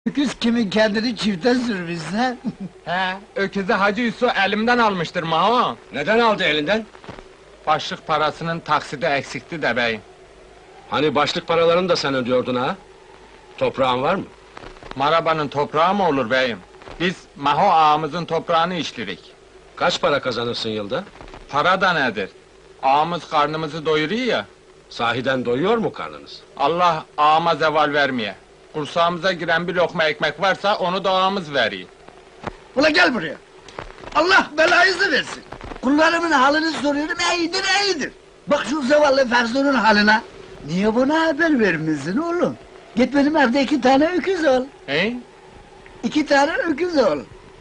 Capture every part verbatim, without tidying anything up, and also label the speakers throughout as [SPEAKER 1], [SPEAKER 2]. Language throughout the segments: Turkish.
[SPEAKER 1] Öküz kimin kendini çifte sürmüşse?
[SPEAKER 2] He, öküzü Hacı Yusuf elimden almıştır Maho.
[SPEAKER 3] Neden aldı elinden?
[SPEAKER 2] Başlık parasının taksidi eksikti de beyim.
[SPEAKER 3] Hani başlık paralarını da sen ödüyordun ha? Toprağın var mı?
[SPEAKER 2] Marabanın toprağı mı olur beyim? Biz Maho ağamızın toprağını işlirik.
[SPEAKER 3] Kaç para kazanırsın yılda?
[SPEAKER 2] Para da nedir? Ağamız karnımızı doyuruyor ya.
[SPEAKER 3] Sahiden doyuyor mu karnınız?
[SPEAKER 2] Allah ağama zeval vermeye. Kursağımıza giren bir lokma ekmek varsa onu da ağamız veriyor.
[SPEAKER 1] Ula gel buraya! Allah belayınızı versin! Kullarımın halini soruyorum, iyidir iyidir! Bak şu zavallı Ferzu'nun haline! Niye buna haber vermişsin oğlum? Git benim evde iki tane öküz ol!
[SPEAKER 2] He?
[SPEAKER 1] İki tane öküz ol!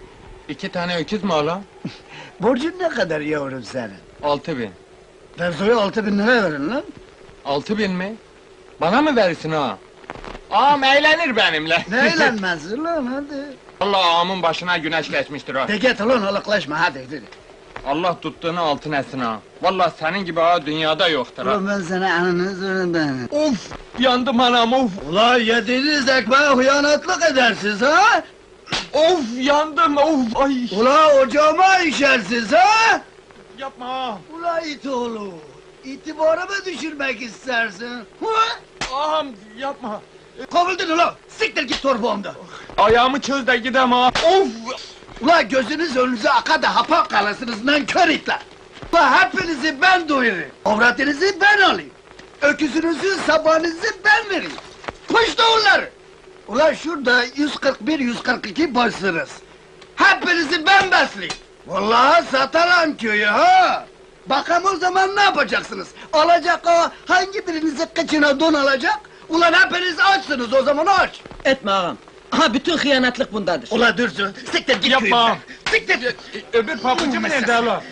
[SPEAKER 2] İki tane öküz mü oğlum?
[SPEAKER 1] Borcun ne kadar yavrum senin?
[SPEAKER 2] Altı bin.
[SPEAKER 1] Ferzu'ya altı bin lira verin lan!
[SPEAKER 2] Altı bin mi? Bana mı verirsin ha? Ağam eğlenir benimle.
[SPEAKER 1] Ne eğlenmezsin lan hadi!
[SPEAKER 2] Allah ağamın başına güneş geçmiştir ha.
[SPEAKER 1] De git ulan alıklaşma hadi hadi!
[SPEAKER 2] Allah tuttuğunu altın etsin ha. Vallahi senin gibi ağa dünyada yoktur ha.
[SPEAKER 1] Ulan ben sana ananı zorundayım!
[SPEAKER 2] Of! Yandım anam of!
[SPEAKER 1] Ulan yediğiniz ekmeğe hıyanatlık edersiniz ha!
[SPEAKER 2] Of! Yandım of! Ay!
[SPEAKER 1] Ula ocağıma işersiniz ha!
[SPEAKER 2] Yapma ha!
[SPEAKER 1] Ula it oğlu! İtibarımı düşürmek istersin! Hı?
[SPEAKER 2] Ağam yapma!
[SPEAKER 1] Kovuldun ula! Siktir git torbağımda!
[SPEAKER 2] Ayağımı çöz de gidem ha! Of!
[SPEAKER 1] Ula gözünüz önünüze aka da hapa kalasınız nankör itler! Ula hepinizi ben doyurayım! Avratınızı ben alayım! Öküzünüzü sabahınızı ben vereyim! Kuş doğulları! Ula şurada yüz kırk bir yüz kırk iki boşsunuz! Hepinizi ben besleyeyim! Vallahi satarım köyü ha! Bakalım o zaman ne yapacaksınız? Alacak o, hangi birinizi kıçına don alacak? Ulan hepiniz açsınız o zaman aç!
[SPEAKER 4] Etme ağam. Aha bütün hıyanatlık bundadır.
[SPEAKER 1] Ula dursun, siktir git
[SPEAKER 2] Yapma!
[SPEAKER 1] köyümden! Siktir!
[SPEAKER 2] Öbür pabucu mu nerede hala?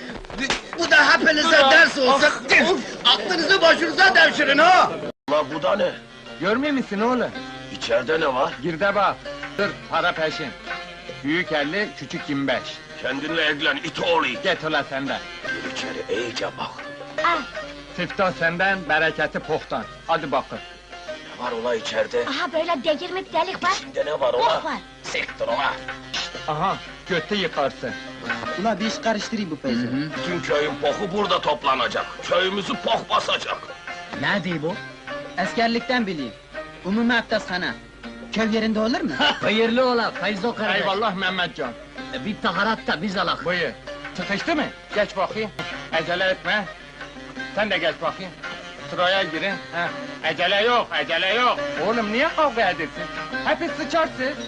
[SPEAKER 1] Bu da hepinize ders olsun! Aklınızı başınıza devşirin ha!
[SPEAKER 3] Ulan bu da ne?
[SPEAKER 2] Görmüyor musun oğlum?
[SPEAKER 3] İçeride ne var?
[SPEAKER 2] Gir de bak! Dur, para peşin! Büyük elli, küçük yirmi beş.
[SPEAKER 3] Kendinle ilgilen it oğlu.
[SPEAKER 2] Get ulan senden!
[SPEAKER 3] Gir içeri iyice bak.
[SPEAKER 2] Siftah senden, bereketi pohtan. Hadi bakın!
[SPEAKER 3] Ne var ola içeride?
[SPEAKER 5] Aha böyle delirmek delik var.
[SPEAKER 3] İçinde ne var
[SPEAKER 5] Bok
[SPEAKER 3] ola?
[SPEAKER 5] var.
[SPEAKER 3] Siktir ola.
[SPEAKER 2] Aha, götü yıkarsın.
[SPEAKER 4] Ula bir iş karıştırayım bu peyzi.
[SPEAKER 3] Bütün köyün poku burada toplanacak. Köyümüzü pok basacak.
[SPEAKER 4] Ne diyor bu? Eskerlikten bileyim. Umumi abdesthane. Köy yerinde olur mu? Hayırlı ola Feyzo kardeş.
[SPEAKER 2] Eyvallah Mehmetcan.
[SPEAKER 4] Bir taharat da biz alak.
[SPEAKER 2] Buyur. Sıkıştı mı? Geç bakayım. Acele etme. Sen de geç bakayım. Sıraya girin. Heh. Acele yok, acele yok. Oğlum niye kavga edersin? Hepsi sıçarsın.